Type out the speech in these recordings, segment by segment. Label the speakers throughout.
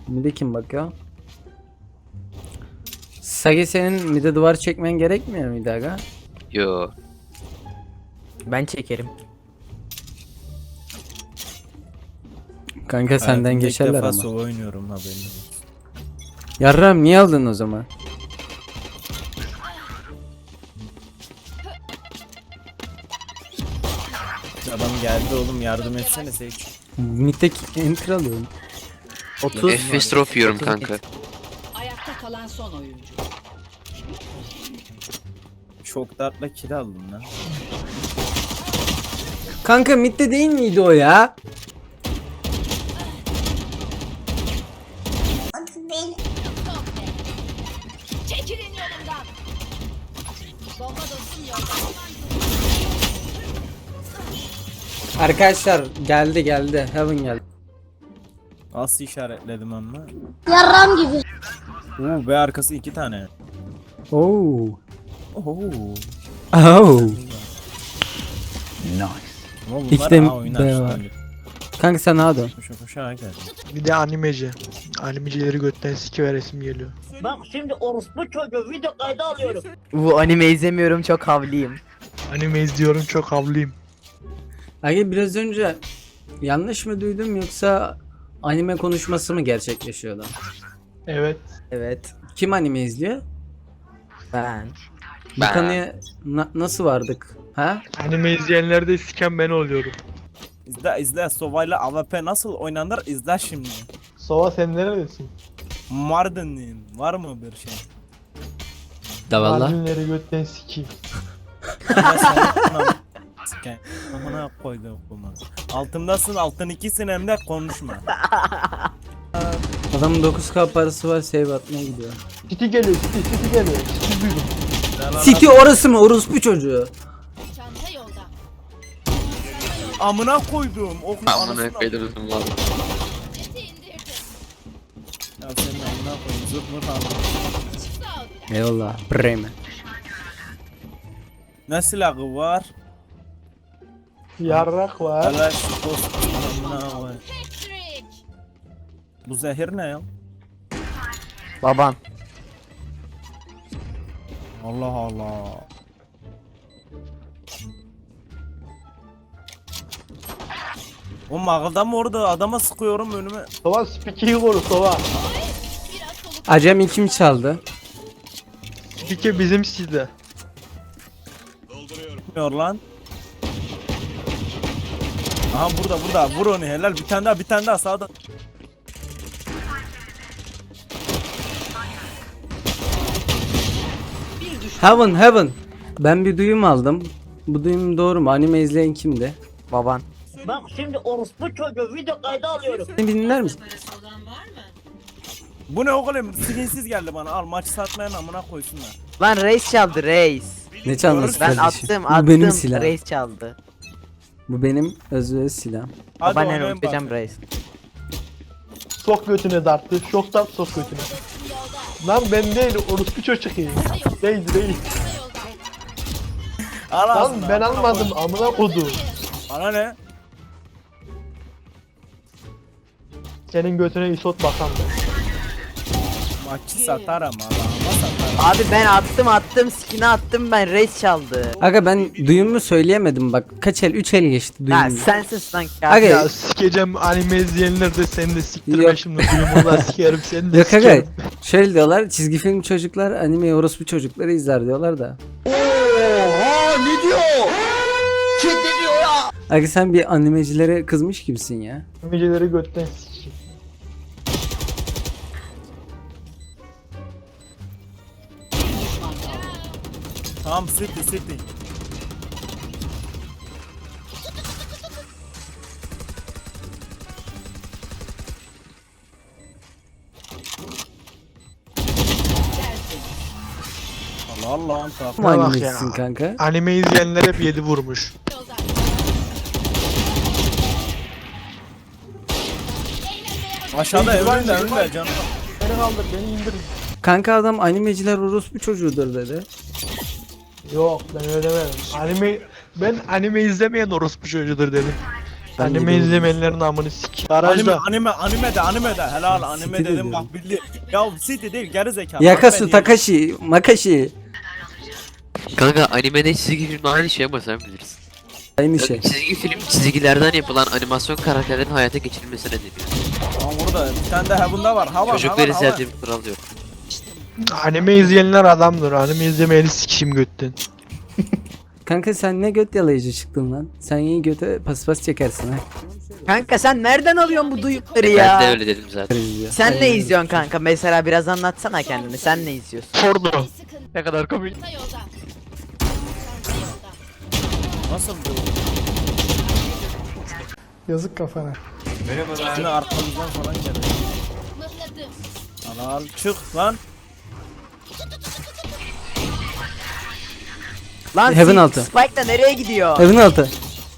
Speaker 1: Mide kim bakıyor? Sage senin mide duvar çekmen gerekmiyor muydu aga?
Speaker 2: Yo.
Speaker 3: Ben çekerim.
Speaker 1: Kanka senden
Speaker 4: Hayatımda
Speaker 1: geçerler
Speaker 4: ilk defa
Speaker 1: ama.
Speaker 4: solo oynuyorum haberin olsun.
Speaker 1: Yarram niye aldın o zaman?
Speaker 4: Adam geldi oğlum, yardım etsene Seyç.
Speaker 1: Mid'deki enter alıyorum.
Speaker 3: 30
Speaker 2: F5 drop yiyorum
Speaker 3: 30
Speaker 2: kanka.
Speaker 5: Ayakta kalan son oyuncu.
Speaker 4: Çok dartla kill aldım lan.
Speaker 1: Kanka midde değil miydi o ya?
Speaker 5: Çekilin yolumdan. Bomba dostum yolda.
Speaker 1: Arkadaşlar geldi. Heaven geldi.
Speaker 4: Nasıl işaretledim ama?
Speaker 6: Yarram gibi.
Speaker 4: Oo, B arkası 2 tane.
Speaker 1: Oo.
Speaker 4: Oho.
Speaker 1: Oh.
Speaker 4: Ama bunlar
Speaker 1: İki de
Speaker 4: A oynar.
Speaker 1: B var. Kanka sen hadi.
Speaker 4: Koşa koşa geldi.
Speaker 7: Bir de animeci. Animecileri götten sikiveresim geliyor.
Speaker 8: Bak şimdi orospu çocuğu video kaydı alıyorum.
Speaker 3: Bu anime izlemiyorum, çok havliyim.
Speaker 7: Anime izliyorum, çok havlıyım.
Speaker 1: Aga biraz önce yanlış mı duydum yoksa anime konuşması mı gerçekleşiyordu?
Speaker 7: Evet.
Speaker 3: Evet.
Speaker 1: Kim anime izliyor?
Speaker 3: Ben.
Speaker 1: Bu
Speaker 2: Ben.
Speaker 1: konuya nasıl vardık? Ha?
Speaker 7: Anime izleyenler de siken ben oluyorum.
Speaker 4: İzle Sova'yla AWP nasıl oynanır izle şimdi.
Speaker 7: Sova sen neredesin?
Speaker 4: Mardinliyim. Var mı bir şey?
Speaker 1: Davallah.
Speaker 7: Animeleri götten sikeyim.
Speaker 4: Amına koydum kuma. Altımdasın, altın ikisin hem de konuşma.
Speaker 1: Adamın 9k parası var, save atmaya gidiyor.
Speaker 7: City geliyor, City geliyor. City duydum.
Speaker 1: City orası mı? Orospu çocuğu.
Speaker 5: Çanta yolda.
Speaker 4: Amına koydum. Okun
Speaker 2: Amına koydum valla.
Speaker 5: Seti indirdim.
Speaker 4: Ya senin amına koydum. Zırt mırt aldım.
Speaker 5: Sağ ol biraz.
Speaker 1: Eyvallah. Bremen.
Speaker 4: Ne silahı var?
Speaker 7: Yarrak var.
Speaker 4: Helal dost. Amına koydum.
Speaker 5: Patrick.
Speaker 4: Bu zehir ne ya?
Speaker 3: Baban.
Speaker 4: Allah Allah. O mağılda mı orada adama sıkıyorum önüme.
Speaker 7: Sova Spike'yi koru Sova.
Speaker 5: Biraz soluk.
Speaker 1: Acem kim çaldı?
Speaker 7: Spike bizim sizde.
Speaker 4: Bilmiyor lan. Aha burada vur onu helal bir tane daha sağda.
Speaker 1: Heaven. Ben bir duyum aldım. Bu duyum doğru mu? Anime izleyen kimdi?
Speaker 3: Baban.
Speaker 8: Bak şimdi orospu çocuğu video kaydı alıyorum.
Speaker 1: Beni dinler misin?
Speaker 4: Bu ne oğlum skinsiz geldi bana al maç satmayan amına koysunlar.
Speaker 3: Lan reis çaldı, reis.
Speaker 1: Ne çalması
Speaker 3: Ben
Speaker 1: kardeşim?
Speaker 3: attım,
Speaker 1: Bu benim silahım.
Speaker 3: reis çaldı.
Speaker 1: Bu benim özür silahım.
Speaker 4: Hadi
Speaker 3: Babaanne
Speaker 4: oynayın
Speaker 3: unutacağım
Speaker 4: bak.
Speaker 3: reis.
Speaker 7: Sok götüne darttı. Şok dart sok götüne. Lan ben değil, orospu çocuk iyi. Değil.
Speaker 4: Al
Speaker 7: Lan
Speaker 4: ağzına,
Speaker 7: ben
Speaker 4: amına
Speaker 7: almadım,
Speaker 4: koy.
Speaker 7: amına kodum.
Speaker 4: Bana ne?
Speaker 7: Senin götüne isot bakan da.
Speaker 4: Maçı satarım Allah'ıma satarım.
Speaker 3: Abi ben attım, skin'i attım ben, reis çaldı.
Speaker 1: Aga ben duyumu söyleyemedim bak. Kaç el? 3 el geçti
Speaker 3: Ha
Speaker 1: duyum.
Speaker 3: sensin lan
Speaker 1: Aga,
Speaker 3: kafir.
Speaker 7: Ya sikeceğim anime izleyenler de seni de siktirme
Speaker 1: Yok.
Speaker 7: şimdi. Duyumuna sikerim seni de
Speaker 1: Yok aga.
Speaker 7: sikerim.
Speaker 1: Şöyle diyorlar. Çizgi film çocuklar anime orospu çocukları izler diyorlar da. Aga sen bir animecilere kızmış gibisin ya.
Speaker 7: Animecileri götten sikeyim.
Speaker 4: Tamam city. Allah'ım tak.
Speaker 1: Kim
Speaker 7: bak
Speaker 1: animecisin
Speaker 7: ya.
Speaker 1: kanka?
Speaker 7: Anime izleyenler hep 7 vurmuş.
Speaker 5: Yolda.
Speaker 4: Aşağıda önünde canım.
Speaker 7: Beni kaldır, beni indir.
Speaker 1: Kanka adam animeciler orospu çocuğudur dedi.
Speaker 7: Yok ben öyle demedim. Ben anime izlemeyen orospu çocuğudur dedim. Anime
Speaker 1: yedim.
Speaker 7: izlemeyenlerin amını sik.
Speaker 4: Anime,
Speaker 7: Garajda.
Speaker 4: anime de helal anime
Speaker 1: City
Speaker 4: dedim
Speaker 1: de
Speaker 4: bak bildi. Ya City değil geri zekalı.
Speaker 1: Yakasu
Speaker 4: Anime
Speaker 1: Takashi Makashi.
Speaker 2: Kanka animede çizgi filmde aynı şey ama sen bilirsin.
Speaker 1: Aynı şey.
Speaker 2: Çizgi film çizgilerden yapılan animasyon karakterlerin hayata geçirilmesine deniyor.
Speaker 4: değil. Lan burada bir tane de Heaven'da var. Hava
Speaker 2: Çocuklar izlediğim kural yok.
Speaker 7: Anime izleyenler adamdır. Anime izlemeyeni sikişim götten.
Speaker 1: Kanka sen ne göt yalayıcı çıktın lan. Sen iyi göte paspas çekersin ha.
Speaker 3: Kanka sen nereden alıyorsun bu duyukları
Speaker 2: Ben de
Speaker 3: ya?
Speaker 2: öyle dedim zaten.
Speaker 3: Sen ne izliyorsun kanka? Mesela biraz anlatsana kendini. Sen ne izliyorsun?
Speaker 7: Porno.
Speaker 5: Sıkıntı
Speaker 7: Ne kadar komik.
Speaker 5: yolda. Çanta yolda.
Speaker 4: Nasıl bu?
Speaker 6: Yazık kafana.
Speaker 4: Yine arkamızdan falan geldi.
Speaker 5: Mıhladım.
Speaker 4: Al çık lan.
Speaker 3: Lan
Speaker 1: Heaven altı.
Speaker 3: Spike da nereye gidiyor?
Speaker 1: Evin altı.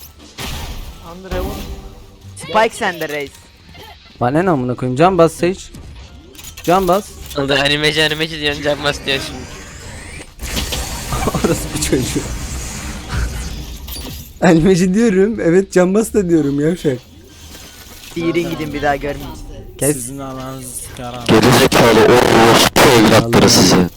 Speaker 3: Spike sende reis.
Speaker 1: Bana ne amına koyayım? Can bas Sage. Can bas.
Speaker 2: Oldu animeci diyorsun canmaz diyorsun şimdi.
Speaker 1: Orası bir çocuğu. Elmeci diyorum. Evet can bas da diyorum yavşak.
Speaker 3: Diğerin gidin bir daha görmeyeyim.
Speaker 1: Kes.
Speaker 4: Sizin ananızı sikerim.
Speaker 2: Gerizekalı o evlatları sizi.